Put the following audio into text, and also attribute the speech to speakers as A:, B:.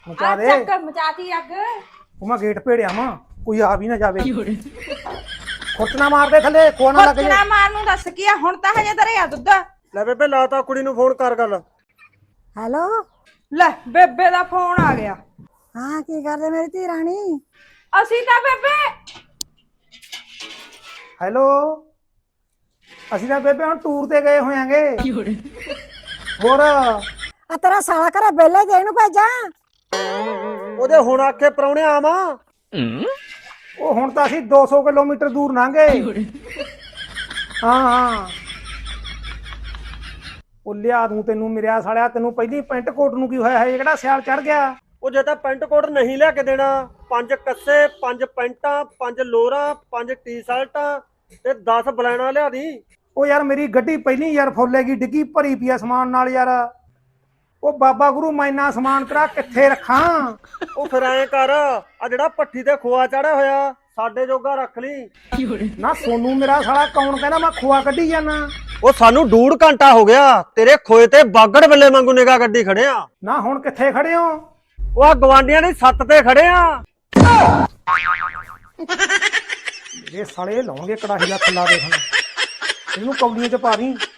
A: ਮਚਾ ਦੇ
B: ਚੱਕ ਮਚਾਤੀ ਅੱਗ।
A: ਉਹ ਮੈਂ ਗੇਟ ਭੇੜਿਆ ਵਾਂ, ਕੋਈ ਆ ਵੀ ਨਾ ਜਾਵੇ। ਖੁਰਚਣਾ ਮਾਰਦੇ ਥੱਲੇ, ਖੋਆ ਨਾ ਲੱਗ ਜੇ।
B: ਖੁਰਚਣਾ ਮਾਰ ਨੂੰ ਦੱਸ ਕੀ ਆ, ਹੁਣ ਤਾਂ ਹਜੇ ਧਰਿਆ ਦੁੱਧ।
C: ਲੈ ਬੇਬੇ ਲਾਤਾ ਕੁੜੀ ਨੂੰ ਫੋਨ ਕਰ ਗੱਲ।
D: ਹੈਲੋ।
B: ਲੈ ਬੇਬੇ ਦਾ ਫੋਨ ਆ ਗਿਆ।
D: ਹਾਂ ਕੀ ਕਰਦੇ ਮੇਰੀ ਧੀ ਰਾਣੀ?
B: ਅਸੀਂ ਤਾਂ ਬੇਬੇ
A: ਹੈਲੋ, ਅਸੀਂ ਤਾਂ ਬੇਬੇ ਹੁਣ ਟੂਰ ਤੇ ਗਏ ਹੋਇਆਂਗੇ। ਹੋਰ
D: ਆ ਤੇਰਾ ਸਾਲਾ ਘਰੇ ਬੇਲੇ ਦੇ ਇਹਨੂੰ ਭੇਜਾਂ?
C: ਉਹਦੇ ਹੁਣ ਆਖੇ ਪ੍ਰਾਹੁਣੇ ਆਵਾਂ।
A: ਉਹ ਹੁਣ ਤਾਂ ਅਸੀਂ 200 ਕਿਲੋਮੀਟਰ ਦੂਰ ਲੰਘੇ। ਹਾਂ ਉਹ ਲਿਆ ਦੂੰ ਤੈਨੂੰ ਮੇਰਿਆ ਸਾਲਿਆ। ਤੈਨੂੰ ਪਹਿਲੀ ਪੈਂਟ ਕੋਟ ਨੂੰ ਕੀ ਹੋਇਆ ਹੈ, ਜਿਹੜਾ ਸਿਆਲ ਚੜ ਗਿਆ।
C: ਉਹ ਜੇ ਤਾਂ ਪੈਂਟ ਕੋਟ ਨਹੀਂ ਲਿਆ ਕੇ ਦੇਣਾ, 5 ਕੱਸੇ 5 ਪੈਂਟਾਂ 5 ਲੋਰਾਂ 5 ਟੀ-ਸ਼ਰਟਾਂ ਤੇ 10 ਬਲੈਣਾ ਲਿਆ ਦੀ।
A: ਉਹ ਯਾਰ ਮੇਰੀ ਗੱਡੀ ਪਹਿਲੀ ਯਾਰ ਫੁੱਲੇਗੀ, ਡਿੱਗੀ ਭਰੀ ਪਈ ਆ ਸਮਾਨ ਨਾਲ ਯਾਰ। ਉਹ ਬਾਬਾ ਗੁਰੂ ਮੈਂ ਇੰਨਾ ਸਮਾਨ ਤੇਰਾ ਕਿੱਥੇ ਰੱਖਾਂ?
C: ਉਹ ਫਿਰ ਐਂ ਕਰ, ਆ ਜਿਹੜਾ ਭੱਠੀ ਤੇ ਖੋਆ ਚੜਿਆ ਹੋਇਆ ਸਾਡੇ ਜੋਗਾ ਰੱਖ ਲਈ।
A: ਨਾ ਸੋਨੂੰ ਮੇਰਾ ਸਾਲਾ ਕੌਣ ਕਹਿੰਦਾ ਮੈਂ ਖੋਆ ਕੱਢੀ ਜਾਣਾ?
C: ਉਹ ਸਾਨੂੰ 1.5 ਘੰਟਾ ਹੋ ਗਿਆ ਤੇਰੇ ਖੋਏ ਤੇ ਬਾਗੜ ਬੱਲੇ ਵਾਂਗੂ ਨਿਗਾਹ ਗੱਡੀ ਖੜੇ ਆ।
A: ਨਾ ਹੁਣ ਕਿੱਥੇ ਖੜੇ ਹੋ?
C: ਉਹ ਆ ਗਵਾਂਡੀਆਂ ਦੀ ਛੱਤ ਤੇ ਖੜੇ ਆ।
A: ਇਹ ਸਾਲੇ ਲਾਉਣਗੇ ਕੜਾਹੀ ਦਾ ਥੱਲਾ ਦੇਖ, ਇਹਨੂੰ ਕੌਲੀਆਂ ਚ ਪਾ ਦੀ।